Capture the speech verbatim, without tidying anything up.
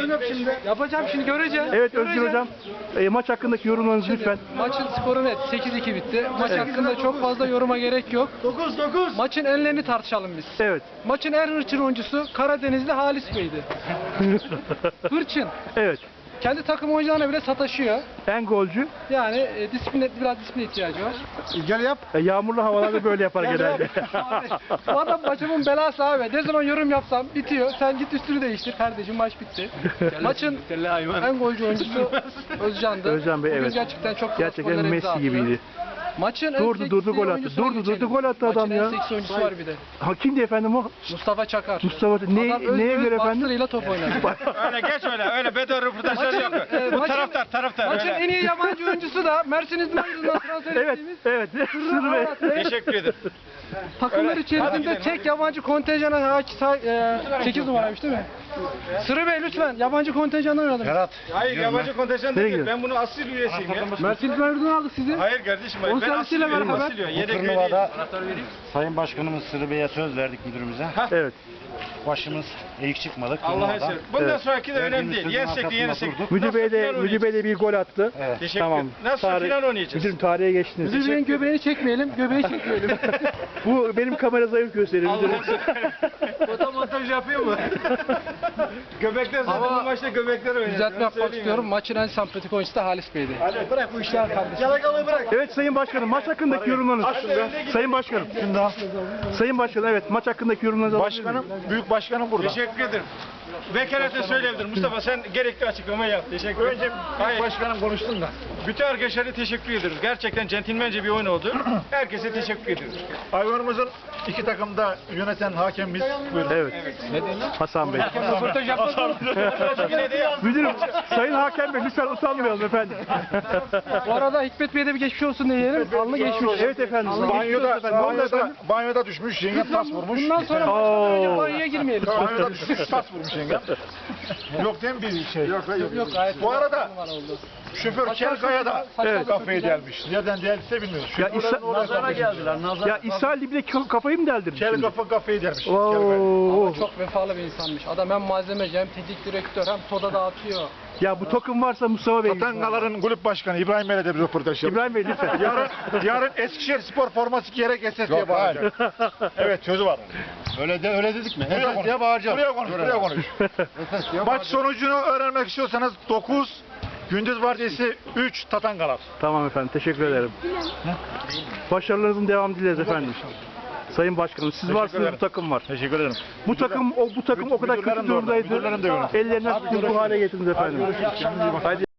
yorum yap şimdi. Yapacağım şimdi, göreceğim. Evet Özgür Hocam, e, maç hakkındaki yorumlarınızı lütfen. Maçın skoru net sekiz iki bitti. Maç hakkında çok fazla yoruma gerek yok. dokuz dokuz. Maçın enlerini tartışalım biz. Evet. Maçın en hırçın oyuncusu Karadenizli Halis Bey'di. Hırçın. Evet. Kendi takım oyuncularına bile sataşıyor. En golcü. Yani e, disiplin, biraz disiplin ihtiyacı var. Gel yap. E, yağmurlu havalarda böyle yapar genelde. Abi, bu adam başımın belası abi. Ne zaman yorum yapsam bitiyor. Sen git üstünü değiştir kardeşim, maç bitti. Maçın en golcü oyuncusu Özcan'dı. Özcan Bey, Bugün evet. gerçekten çok Gerçekten gollere imza Messi atıyor. gibiydi. Maçın en Durdu, seksi durdu, gol attı. oyuncusuna Durdu, durdu, geçelim. gol attı adam Maçın ya. en seksi oyuncusu var bir de. Ha, kimdi efendim o? Mustafa Çakar. Mustafa. Ne, Adam öz neye öz göre efendim? bastırıyla top oynadı. Öyle geç öyle, öyle bedava röportajları yok. e, Bu maçın- taraftar, taraftar Maçın öyle. en iyi yabancı oyuncusu da Mersin İzmir'den transfer Evet, ettiğimiz evet. Sırrı Bey. Murat Bey. Teşekkür ederim. Takımlar Hadi içerisinde gidelim, tek yabancı kontenjana sekiz numaraymış değil mi? Sırrı Bey lütfen, yabancı kontenjandan oynadım. Berat. Hayır, yabancı kontenjan Nereye değil. gidiyorsun? Ben bunun asıl üyesiyim ya. Mersin İzmir'den aldık sizi. Hayır kardeşim, hayır. Onun Ben asıl servisiyle üyeyim, beraber. asıl üye. Bu Yedek üye turnuvada değilim. Sayın Başkanımız Sırrı Bey'e söz verdik müdürümüze. Evet. Başımız eğik çıkmadık. Allah'a turnuvada. emanet. Bundan Evet. sonraki de önemli Verdiğimiz değil. sözün Yensek de arkasında yenesek. durduk. Müdür Bey de, Nasıl final Müdür Bey de bir gol attı. Evet. Teşekkür Tamam. ederim. Nasıl Tarih- final oynayacağız? Müdürüm tarihe geçtiniz. Müdür Bey'in göbeğini çekmeyelim, göbeği çekmeyelim. Bu benim kamera zayıf gösteriyor müdürüm. Fotomontaj yapıyor mu? Göbekler zaten Ama bu maçta göbekler oynayacak. Düzeltme Ben yapmak söyleyeyim istiyorum. Maçın en sempatik oyuncusu da Halis Bey'di. yani. Bırak bu işleri kardeşim. Yalakalığı bırak. Evet Sayın Başkanım, maç hakkındaki yorumlarınız. Sayın Başkanım. Sayın Başkanım, evet maç hakkındaki yorumlarınızı alabilir miyim? Başkanım, büyük başkanım burada. Teşekkür ederim. Vekalete söyleyebilirim. Mustafa sen gerekli açıklamayı yap. Teşekkür ederim. Önce büyük başkanım konuştun da. Bütün arkadaşlara teşekkür ederiz. Gerçekten centilmence bir oyun oldu. Herkese teşekkür ediyoruz. Hayvanımızın iki takımda yöneten hakemimiz. Buyurun. Evet. Hasan Bey. Röportaj yapmadım. Yine de yap. Müdürüm, Sayın Hakem Bey lütfen utanmayalım efendim. Bu arada Hikmet Bey'e de bir geçmiş olsun diyelim. Alnı geçmiş. Evet efendim. Banyoda, efendim. Ne oldu banyoda, efendim? banyoda düşmüş, yengem tas vurmuş. Bundan sonra Oo. maçtan önce banyoya girmeyelim. Banyoda düşmüş, tas vurmuş yengem. Yok değil mi bir şey? Yok, yok. Yok gayet Bu arada numara oldu. şoför Kelkaya'da Evet. kafayı delmiş. Nereden deldiyse bilmiyoruz. Ya Şoförlerin İsa- oraya kafayı geldiler. Nazar. Ya İsa Ali bir de ka- kafayı mı deldirmiş? Kel şimdi? kafa kafayı delmiş. Kelkaya'da. Oo. Ama çok vefalı bir insanmış. Adam hem malzemeci hem teknik direktör hem soda dağıtıyor. Ya bu takım varsa Mustafa Bey. Tatangaların kulüp başkanı İbrahim Bey'le de bir röportaj yaptık. İbrahim Bey lütfen. Yarın, yarın Eskişehir spor forması giyerek S S diye bağıracak. Evet sözü var. Öyle de öyle dedik mi? Buraya konuş. diye bağıracağız. Buraya konuş, buraya konuş. Maç sonucunu öğrenmek istiyorsanız dokuz, gündüz vardiyası üç Tatangalar. Tamam efendim, teşekkür ederim. Başarılarınızın devamı dileriz efendim. Sayın Başkanım, siz varsınız, ederim. bu takım var. Teşekkür ederim. Bu takım o bu takım o kadar kötü müdürlerim de orada, durumdaydı. müdürlerim de orada. Ellerinden tutun, bu hale getirdiniz efendim. Haydi.